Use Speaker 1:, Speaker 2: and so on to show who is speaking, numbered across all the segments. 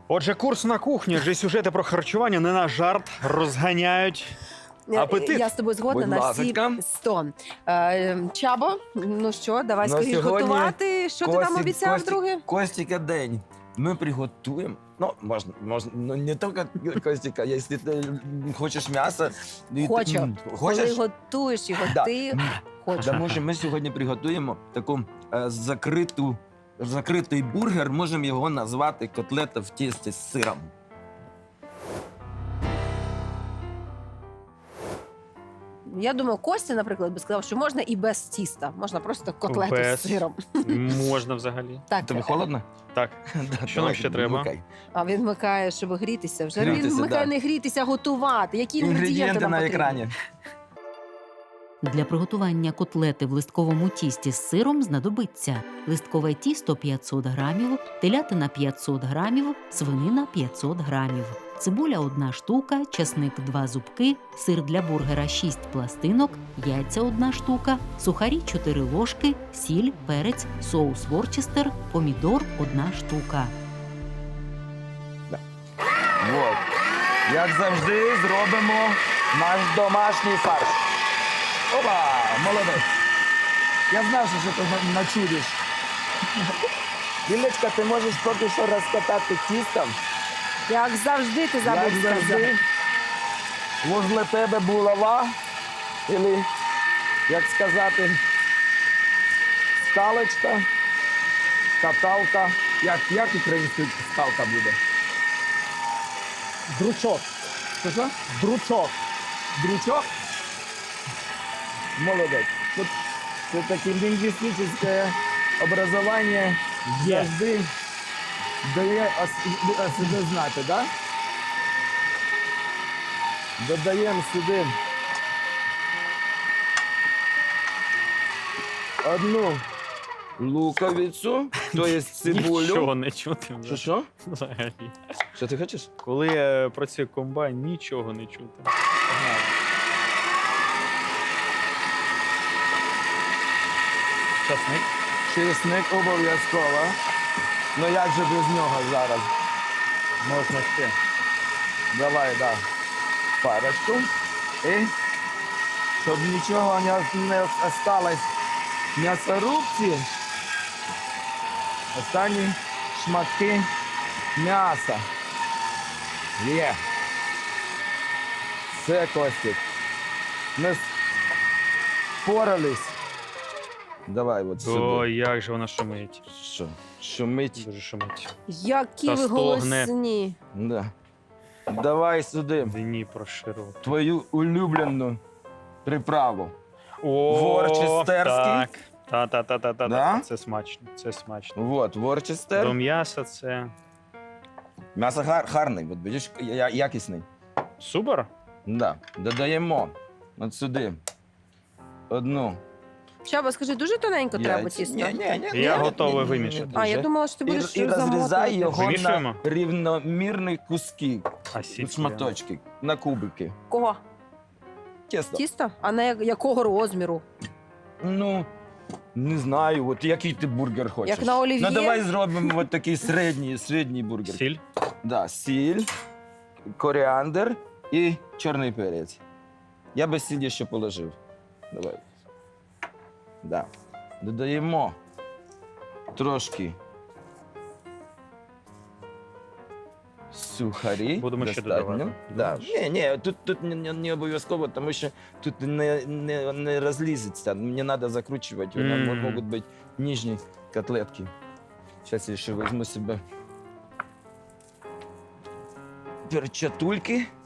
Speaker 1: Отже, курс на кухню, адже сюжети про харчування не на жарт розганяють апетит.
Speaker 2: Я з тобою згодна
Speaker 3: Будь
Speaker 2: на всі
Speaker 3: ласочка.
Speaker 2: 100. Чабо, ну що, давай
Speaker 3: Ну,
Speaker 2: скоріш
Speaker 3: сьогодні
Speaker 2: готувати. Що ти там обіцяв, друге?
Speaker 3: Костіка день. Ми приготуємо. Ну, можна, ну не тільки Костіка, якщо ти хочеш м'ясо.
Speaker 2: Хочу. Коли
Speaker 3: Хочеш?
Speaker 2: готуєш його,
Speaker 3: Да.
Speaker 2: ти хочеш.
Speaker 3: Тому що ми сьогодні приготуємо таку закритий бургер, можемо його назвати котлета в тісті з сиром.
Speaker 2: Я думаю, Костя, наприклад, би сказав, що можна і без тіста. Можна просто котлету
Speaker 1: Без.
Speaker 2: з сиром.
Speaker 1: Можна взагалі.
Speaker 2: Так,
Speaker 3: Тобі холодно?
Speaker 1: Так.
Speaker 3: Да,
Speaker 1: Що нам
Speaker 3: давай,
Speaker 1: ще треба?
Speaker 3: вмикай.
Speaker 2: а він вмикає, щоб грітися. Вже він
Speaker 3: Грітися,
Speaker 2: вмикає
Speaker 3: да.
Speaker 2: не грітися, а готувати. Які інгредієнти
Speaker 3: Інгредієнти
Speaker 2: нам
Speaker 3: на
Speaker 2: потрібні?
Speaker 3: екрані.
Speaker 4: Для приготування котлети в листковому тісті з сиром знадобиться листкове тісто 500 грамів, телятина 500 грамів, свинина 500 грамів, цибуля 1 штука, часник 2 зубки, сир для бургера 6 пластинок, яйця 1 штука, сухарі 4 ложки, сіль, перець, соус ворчестер, помідор 1 штука.
Speaker 3: Вот. Як завжди, зробимо наш домашній фарш. Опа! Молодець. Я знав, що ти начудиш. Лілечка, ти можеш поки що розкатати тістом.
Speaker 2: Як завжди ти забув
Speaker 3: Як
Speaker 2: сказати.
Speaker 3: завжди, возле тебе булава, або, як сказати, скалочка, каталка. Як українською скалка буде? Дручок. Що? Дручок. Дручок? Молодець. Тут це таке лінгвістичне образування завжди дає о себе знати, да? Додаємо сюди одну луковицю, то є цибулю.
Speaker 1: Нічого не чути.
Speaker 3: Що, що?
Speaker 1: Взагалі.
Speaker 3: Що ти хочеш?
Speaker 1: Коли працює комбайн, нічого не чути. Часник.
Speaker 3: Чесник обов'язково. Ну як же без нього зараз? Можна ще. Давай, да. Парочку. І щоб нічого не осталось в м'ясорубці, останні шматки м'яса. Є. Все, Костік. Ми впорались. Давай от сюди.
Speaker 1: О, як же вона шумить.
Speaker 3: Що? Шумить?
Speaker 1: Дуже шумить.
Speaker 2: Які
Speaker 1: Та
Speaker 2: ви
Speaker 1: стогне.
Speaker 2: голосні.
Speaker 3: Да. Давай сюди
Speaker 1: Дніпро широкий.
Speaker 3: твою улюблену приправу.
Speaker 1: О,
Speaker 3: Ворчестерський.
Speaker 1: так. Та.
Speaker 3: Да?
Speaker 1: Це смачно, це смачно.
Speaker 3: Вот, ворчестер.
Speaker 1: До м'яса це
Speaker 3: М'ясо гарний, от бачиш, якісний.
Speaker 1: супер.
Speaker 3: Да. Додаємо от сюди одну.
Speaker 2: Чаба, скажи, дуже тоненько треба
Speaker 3: яйця.
Speaker 2: тісто?
Speaker 3: Ні.
Speaker 1: Я готовий вимішати.
Speaker 2: А, я думала, що ти будеш
Speaker 3: І розрізай
Speaker 2: замотувати.
Speaker 3: його на
Speaker 1: Вимішуємо?
Speaker 3: рівномірні куски,
Speaker 1: А сіль
Speaker 3: шматочки, на кубики.
Speaker 2: Кого?
Speaker 3: Тісто.
Speaker 2: Тісто? А на якого розміру?
Speaker 3: Ну, не знаю, от який ти бургер хочеш.
Speaker 2: Як на олів'є?
Speaker 3: Ну, давай зробимо от такий середній бургер.
Speaker 1: Сіль.
Speaker 3: Да, сіль, коріандр і чорний перець. Я би сіль ще положив. Давай. Да. Додаємо трошки сухарі.
Speaker 1: Будемо ще
Speaker 3: достатньо.
Speaker 1: додавати.
Speaker 3: Да. Ні, тут не обов'язково, тому що тут не розлізеться. Мені треба закручувати. Можуть бути ніжні котлетки. Зараз я ще візьму себе перчатульки.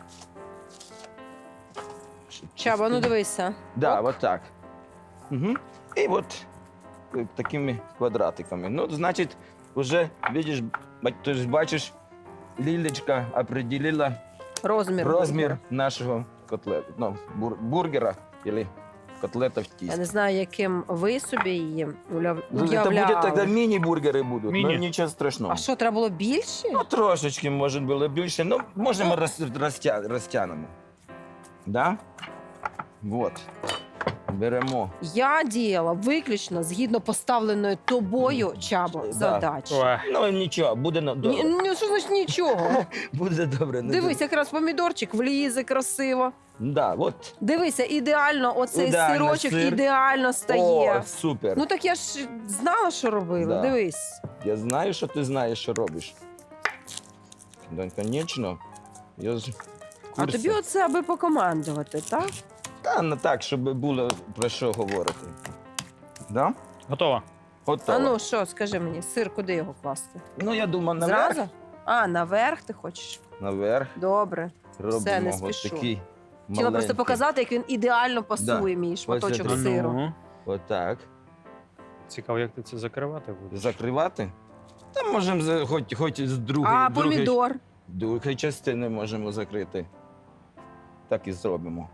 Speaker 2: Чаба, ну дивися.
Speaker 3: Да,
Speaker 2: Оп.
Speaker 3: вот так. Угу. І от такими квадратиками. Ну, значить, вже, видиш, ти ж бачиш, Лілечка определила розмір нашого котлету. Ну, бургера або котлета в
Speaker 2: Я
Speaker 3: тісті.
Speaker 2: не знаю, яким ви собі її
Speaker 3: Ну, це буде
Speaker 2: уявляли.
Speaker 3: тоді міні-бургери будуть,
Speaker 1: Міні.
Speaker 3: ну нічого страшного.
Speaker 2: А що, треба було більше?
Speaker 3: Ну, трошечки, може, було більше. Ну, можемо розтягнемо. Да? Вот. беремо.
Speaker 2: Я діяла виключно згідно поставленої тобою, Чабо,
Speaker 3: Да.
Speaker 2: задачі.
Speaker 1: Ой.
Speaker 3: Ну нічого, буде добре.
Speaker 2: Ні, що значить нічого?
Speaker 3: Буде добре. не
Speaker 2: Дивись,
Speaker 3: буде.
Speaker 2: якраз помідорчик влізе красиво.
Speaker 3: Да, от.
Speaker 2: Дивися, ідеально оцей
Speaker 3: Ідеально
Speaker 2: сирочок
Speaker 3: сир.
Speaker 2: ідеально стає.
Speaker 3: О, супер.
Speaker 2: Ну так я ж знала, що робила.
Speaker 3: Да.
Speaker 2: Дивись.
Speaker 3: Я знаю, що ти знаєш, що робиш. Да, звісно. Я ж в
Speaker 2: А
Speaker 3: курсі.
Speaker 2: тобі оце аби покомандувати, так?
Speaker 3: Та не так, щоб було про що говорити. Да?
Speaker 1: Готово.
Speaker 3: Готово.
Speaker 2: А ну що, скажи мені, сир куди його класти?
Speaker 3: Ну, я думаю, наверх.
Speaker 2: Зразу? А, наверх ти хочеш?
Speaker 3: Наверх
Speaker 2: Добре.
Speaker 3: робимо
Speaker 2: не
Speaker 3: ось
Speaker 2: спішу.
Speaker 3: такий
Speaker 2: Хотіла просто показати, як він ідеально пасує, мій шматочок
Speaker 3: Ось це
Speaker 2: сиру.
Speaker 1: Ну,
Speaker 3: Отак.
Speaker 1: цікаво, як ти це закривати будеш.
Speaker 3: Закривати. Та можемо хоч з другої,
Speaker 2: А помідор?
Speaker 3: другої частини можемо закрити. Так і зробимо.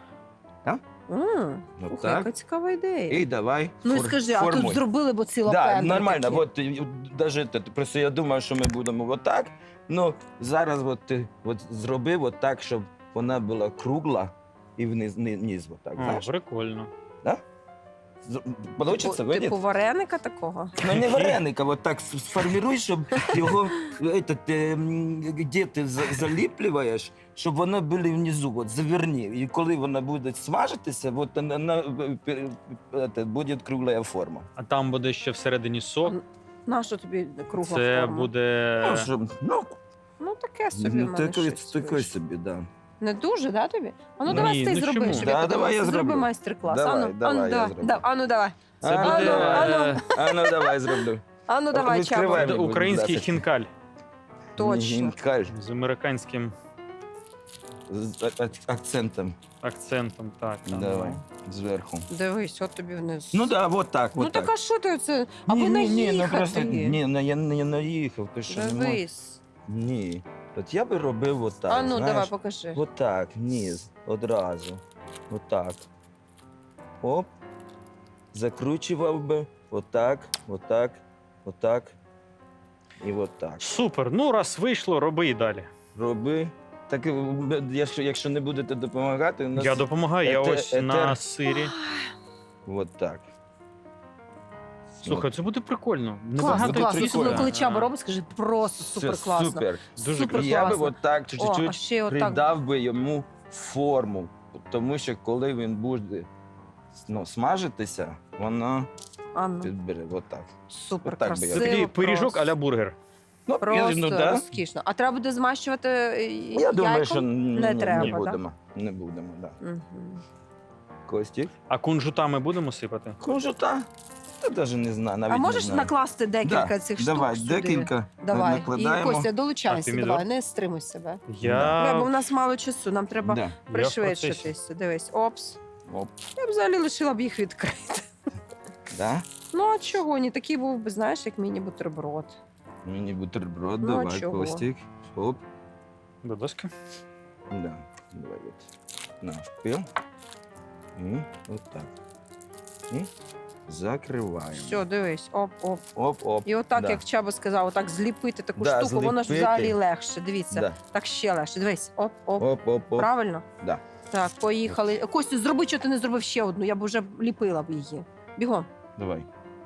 Speaker 2: Ух,
Speaker 3: Отак.
Speaker 2: яка цікава ідея.
Speaker 3: І давай.
Speaker 2: Ну і скажи, а тут
Speaker 3: формуй.
Speaker 2: зробили, бо ціла
Speaker 3: Да,
Speaker 2: пендра
Speaker 3: нормально.
Speaker 2: такі.
Speaker 3: Вот, даже, просто я думаю, що ми будемо отак. Ну, зараз от, ти от, зробив отак, щоб вона була кругла і вниз отак,
Speaker 1: О,
Speaker 3: знаєш.
Speaker 1: прикольно.
Speaker 3: Получиться,
Speaker 2: Типу,
Speaker 3: видиш?
Speaker 2: вареника такого?
Speaker 3: Ну, не вареника, от так сформируй, щоб його де ти заліплюєш, щоб воно було внизу, от, заверні. І коли вона буде смажитися, от, вона буде кругла форма.
Speaker 1: А там буде ще всередині сок.
Speaker 2: Нащо тобі кругла
Speaker 1: Це
Speaker 2: форма?
Speaker 1: буде.
Speaker 3: Ну, щоб,
Speaker 2: Ну таке собі в мене
Speaker 3: такий
Speaker 2: щось вийшло.
Speaker 3: собі, да.
Speaker 2: Не дуже, да, тобі? А ну
Speaker 1: Ні,
Speaker 2: давай ти
Speaker 1: ну
Speaker 2: зроби,
Speaker 1: чому?
Speaker 2: щоб
Speaker 3: Да,
Speaker 2: я
Speaker 3: давай
Speaker 2: подивилася.
Speaker 3: я
Speaker 2: Зроби
Speaker 3: зроблю.
Speaker 2: майстер-клас.
Speaker 3: Давай,
Speaker 2: Ану,
Speaker 3: давай,
Speaker 2: ану,
Speaker 3: я
Speaker 2: давай.
Speaker 3: зроблю.
Speaker 2: Ану, давай.
Speaker 1: Це
Speaker 3: А,
Speaker 1: буде
Speaker 2: ану.
Speaker 3: ну давай зроблю.
Speaker 2: Ану, давай,
Speaker 3: Відкривай.
Speaker 2: Чабо.
Speaker 1: буде український
Speaker 3: Будь ласка.
Speaker 1: хінкаль
Speaker 2: Точно.
Speaker 3: Гінкаль
Speaker 1: з американським
Speaker 3: з акцентом.
Speaker 1: акцентом. Так, там,
Speaker 3: Давай, зверху.
Speaker 2: Дивись, от тобі вниз.
Speaker 3: Ну да, вот так,
Speaker 2: Ну
Speaker 3: вот
Speaker 2: так
Speaker 3: так.
Speaker 2: а що ти оце? Аби
Speaker 3: ну
Speaker 2: наїхати.
Speaker 3: просто, ні, ну я не наїхав, ти що не можеш.
Speaker 2: Дивись.
Speaker 3: Ні. От я би робив отак,
Speaker 2: А ну,
Speaker 3: знаєш.
Speaker 2: давай, покажи.
Speaker 3: Отак, низ, одразу. Отак. Оп. Закручував би. Отак, отак, отак. І отак.
Speaker 1: Супер. Ну, раз вийшло, роби і далі.
Speaker 3: Роби. Так, якщо не будете допомагати, у нас...
Speaker 1: Я допомагаю, я
Speaker 3: етер-
Speaker 1: ось на
Speaker 3: етер.
Speaker 1: сирі.
Speaker 3: От так.
Speaker 1: Слухай, це буде прикольно.
Speaker 2: Класно,
Speaker 1: Небагато
Speaker 3: буде
Speaker 2: класно.
Speaker 3: прикольно.
Speaker 2: Особливо, коли Чаба
Speaker 1: Ага.
Speaker 2: робить, скажи, просто
Speaker 3: Це
Speaker 2: супер класно.
Speaker 3: супер.
Speaker 1: Дуже
Speaker 2: Супер
Speaker 3: Я би
Speaker 2: класно.
Speaker 3: отак
Speaker 2: О, а
Speaker 3: чуть-чуть
Speaker 2: ще отак.
Speaker 3: придав би йому форму. Тому що коли він буде смажитися, воно
Speaker 2: Ану,
Speaker 3: підбере отак.
Speaker 2: супер
Speaker 3: отак би я
Speaker 1: Це
Speaker 2: красиво.
Speaker 1: такий пиріжок
Speaker 2: просто.
Speaker 1: а-ля бургер.
Speaker 3: Ну,
Speaker 2: Просто
Speaker 3: да.
Speaker 2: розкішно. А треба буде змащувати
Speaker 3: Я думаю,
Speaker 2: яйком?
Speaker 3: що
Speaker 2: Не треба,
Speaker 3: не
Speaker 2: да?
Speaker 3: будемо. Не будемо, да.
Speaker 2: Мгм.
Speaker 3: Костік.
Speaker 1: А кунжутами будемо сипати?
Speaker 3: Кунжута? Та навіть не знаю, навіть
Speaker 2: А
Speaker 3: не
Speaker 2: можеш
Speaker 3: знаю.
Speaker 2: накласти декілька
Speaker 3: Да,
Speaker 2: цих
Speaker 3: давай,
Speaker 2: штук сюди?
Speaker 3: декілька
Speaker 2: Давай. І
Speaker 3: накладаємо.
Speaker 2: Костя,
Speaker 1: А,
Speaker 2: долучайся,
Speaker 1: помідор?
Speaker 2: давай, не стримуй себе. Бо
Speaker 1: Я
Speaker 2: у нас мало часу, нам треба
Speaker 3: Да.
Speaker 1: Я в
Speaker 2: пришвидшитися. Дивись, опс.
Speaker 3: Оп.
Speaker 2: Я б взагалі лишила б їх відкрити.
Speaker 3: Да?
Speaker 2: Ну а чого? Ні, такий був би, знаєш, як міні-бутерброд.
Speaker 3: Мені бутерброд,
Speaker 2: Ну, а
Speaker 3: давай,
Speaker 2: чого?
Speaker 3: Костік. Оп.
Speaker 1: Будь ласка.
Speaker 3: Да. Давай от. Навпіл. І отак. І закриваємо.
Speaker 2: Все, дивись, оп-оп.
Speaker 3: Оп-оп.
Speaker 2: І отак,
Speaker 3: Да.
Speaker 2: як Чаба сказав, отак зліпити таку
Speaker 3: Да,
Speaker 2: штуку, воно ж
Speaker 3: зліпити.
Speaker 2: взагалі легше. Дивіться,
Speaker 3: Да.
Speaker 2: так ще легше. Дивись, оп-оп.
Speaker 3: Оп-оп-оп.
Speaker 2: Правильно?
Speaker 3: Да.
Speaker 2: Так, поїхали. Костю, зроби, що ти не зробив ще одну, я б вже ліпила б її. Бігом,
Speaker 3: Давай.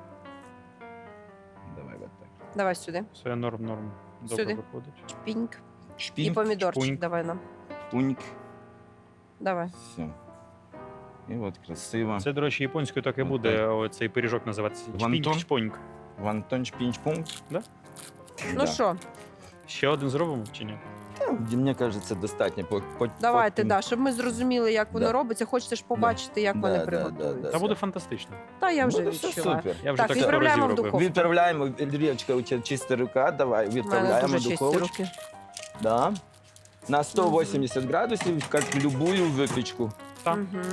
Speaker 3: Давай от так.
Speaker 2: давай сюди.
Speaker 1: Все норм. Добре
Speaker 2: Сюди.
Speaker 1: виходить.
Speaker 2: Піньк. І
Speaker 3: Шпінь,
Speaker 2: помідорчик
Speaker 1: шпуньк.
Speaker 2: давай нам.
Speaker 3: пуньк.
Speaker 2: Давай.
Speaker 3: Все. І от красиво.
Speaker 1: Це, до речі, японською так і буде оцей пиріжок називатися.
Speaker 3: Вантон?
Speaker 1: Чпінь-чпоньк.
Speaker 3: Вантон шпінч-пуньк.
Speaker 1: Да?
Speaker 2: Ну що,
Speaker 1: Ще один зробимо чи ні?
Speaker 3: Мені кажеться, достатньо.
Speaker 2: давайте, да, щоб ми зрозуміли, як воно
Speaker 3: Да.
Speaker 2: робиться. Хочете ж побачити, як
Speaker 3: Да,
Speaker 2: вони
Speaker 3: да,
Speaker 2: приготуються.
Speaker 3: да,
Speaker 1: Та буде фантастично.
Speaker 2: Та я вже
Speaker 3: Буде все
Speaker 2: відчуваю.
Speaker 3: супер.
Speaker 1: Я вже
Speaker 2: Так,
Speaker 1: так
Speaker 2: відправляємо
Speaker 1: разів
Speaker 2: в
Speaker 1: робив.
Speaker 2: духовку.
Speaker 3: Відправляємо, Ільрічка, у тебе чиста рука, давай,
Speaker 2: У мене
Speaker 3: відправляємо
Speaker 2: дуже
Speaker 3: в
Speaker 2: чисті
Speaker 3: духовочку.
Speaker 2: руки.
Speaker 3: Да. На 180 градусів, як любую випічку.
Speaker 1: Так.
Speaker 2: Мгм.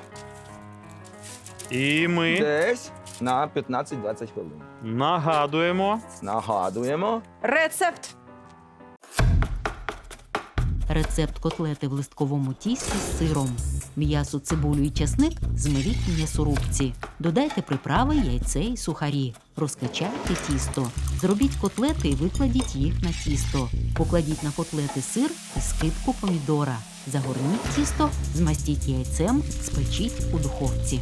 Speaker 1: І ми
Speaker 3: Десь на 15-20 хвилин.
Speaker 1: нагадуємо.
Speaker 3: Нагадуємо.
Speaker 2: Рецепт.
Speaker 4: Рецепт котлети в листковому тісті з сиром. М'ясо, цибулю і часник змеліть в м'ясорубці. Додайте приправи, яйце і сухарі. Розкачайте тісто. Зробіть котлети і викладіть їх на тісто. Покладіть на котлети сир і скибку помідора. Загорніть тісто, змастіть яйцем, спечіть у духовці.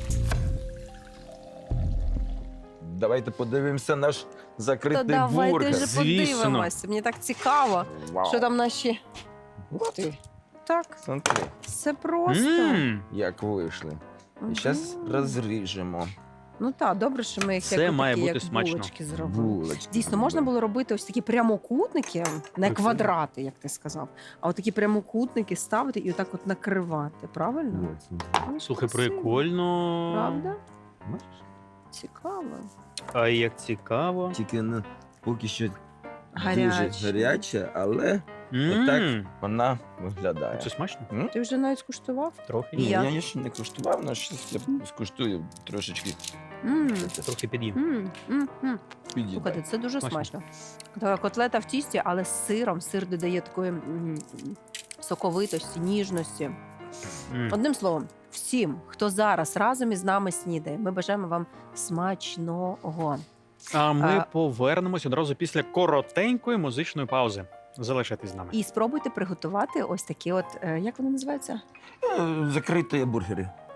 Speaker 3: Давайте подивимося наш
Speaker 2: То
Speaker 3: закритий
Speaker 2: давайте
Speaker 3: бургер.
Speaker 2: же
Speaker 1: Звісно.
Speaker 2: подивимося. Мені так цікаво,
Speaker 3: Вау.
Speaker 2: що там наші.
Speaker 3: От,
Speaker 2: Ти. Так,
Speaker 3: смотри,
Speaker 2: все просто.
Speaker 3: як вийшли.
Speaker 2: Мгм.
Speaker 3: І зараз розріжемо
Speaker 2: Ну так, добре, що ми їх
Speaker 1: Це
Speaker 2: як,
Speaker 1: має
Speaker 2: такі,
Speaker 1: бути
Speaker 2: як
Speaker 1: смачно.
Speaker 2: булочки зробили.
Speaker 3: булочки.
Speaker 2: Дійсно, можна було робити ось такі прямокутники, не
Speaker 1: Прикольно.
Speaker 2: квадрати, як ти сказав, а от такі прямокутники ставити і отак от накривати, правильно? Ну,
Speaker 1: Слухай,
Speaker 2: красиво.
Speaker 1: прикольно.
Speaker 2: Правда? Цікаво.
Speaker 1: А як цікаво.
Speaker 3: Тільки поки що
Speaker 2: Гаряче.
Speaker 3: дуже гаряча, але
Speaker 1: М,
Speaker 3: Отак. вона виглядає.
Speaker 1: Це смачно?
Speaker 2: Ти вже навіть скуштував?
Speaker 1: Трохи.
Speaker 3: Ні,
Speaker 2: як?
Speaker 3: я ще не куштував, але щось я скуштую трошечки.
Speaker 2: М,
Speaker 1: Трохи під'їм.
Speaker 3: Підійде.
Speaker 2: Слухайте, це дуже
Speaker 1: Смачно.
Speaker 2: смачно. Така котлета в тісті, але з сиром. Сир додає такої соковитості, ніжності.
Speaker 1: М.
Speaker 2: Одним словом, всім, хто зараз разом із нами снідає, ми бажаємо вам смачного.
Speaker 1: А ми
Speaker 2: А-
Speaker 1: повернемось одразу після коротенької музичної паузи. Залишайтесь з нами.
Speaker 2: І спробуйте приготувати ось такі от, як вони називаються?
Speaker 3: Закриті бургери.